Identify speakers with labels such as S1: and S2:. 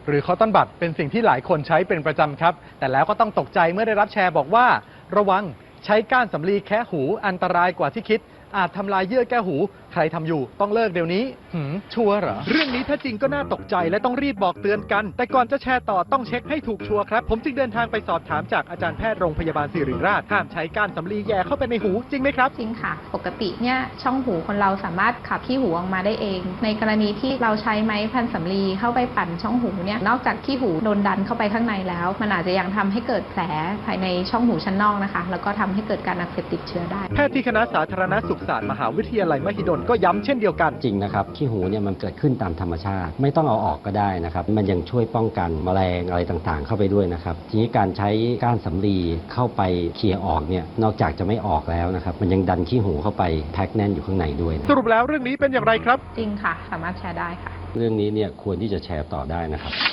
S1: หรือคอตตอนบัดเป็นสิ่งที่หลายคนใช้เป็นประจำครับแต่แล้วก็ต้องตกใจเมื่อได้รับแชร์บอกว่าระวังใช้ก้านสำลีแคะหูอันตรายกว่าที่คิดอาจทำลายเยื่อแก้หูใครทำอยู่ต้องเลิกเดี๋ยวนี้ชัวร์เหรอเรื่องนี้ถ้าจริงก็น่าตกใจและต้องรีบบอกเตือนกันแต่ก่อนจะแชร์ต่อต้องเช็คให้ถูกชัวร์ครับผมจึงเดินทางไปสอบถามจากอาจารย์แพทย์โรงพยาบาลศิริราชห้ามใช้ก้านสำลีแย่เข้าไปในหูจริงไหมครับ
S2: จริงค่ะปกติเนี่ยช่องหูคนเราสามารถขับขี้หูออกมาได้เองในกรณีที่เราใช้ไม้พันสำลีเข้าไปปั่นช่องหูเนี่ยนอกจากขี้หูโดนดันเข้าไปข้างในแล้วมันอาจจะยังทำให้เกิดแผลภายในช่องหูชั้นนอกนะคะแล้วก็ทำให้เกิดการอักเสบติดเชื้อได้
S1: แพทย์ที่คณะสาธารณสุขศาสตร์มหาวิทยาลัยมหิดลก็ย้ำเช่นเดียวกัน
S3: จริงนะครับขี้หูเนี่ยมันเกิดขึ้นตามธรรมชาติไม่ต้องเอาออกก็ได้นะครับมันยังช่วยป้องกันแมลงอะไรต่างๆเข้าไปด้วยนะครับทีนี้การใช้ก้านสำลีเข้าไปเคลียร์ออกเนี่ยนอกจากจะไม่ออกแล้วนะครับมันยังดันขี้หูเข้าไปแพ็คแน่นอยู่ข้างในด้วย
S1: สรุปแล้วเรื่องนี้เป็นอย่างไรครับ
S2: จริงค่ะสามารถแชร์ได้ค่ะ
S3: เรื่องนี้เนี่ยควรที่จะแชร์ต่อได้นะครับ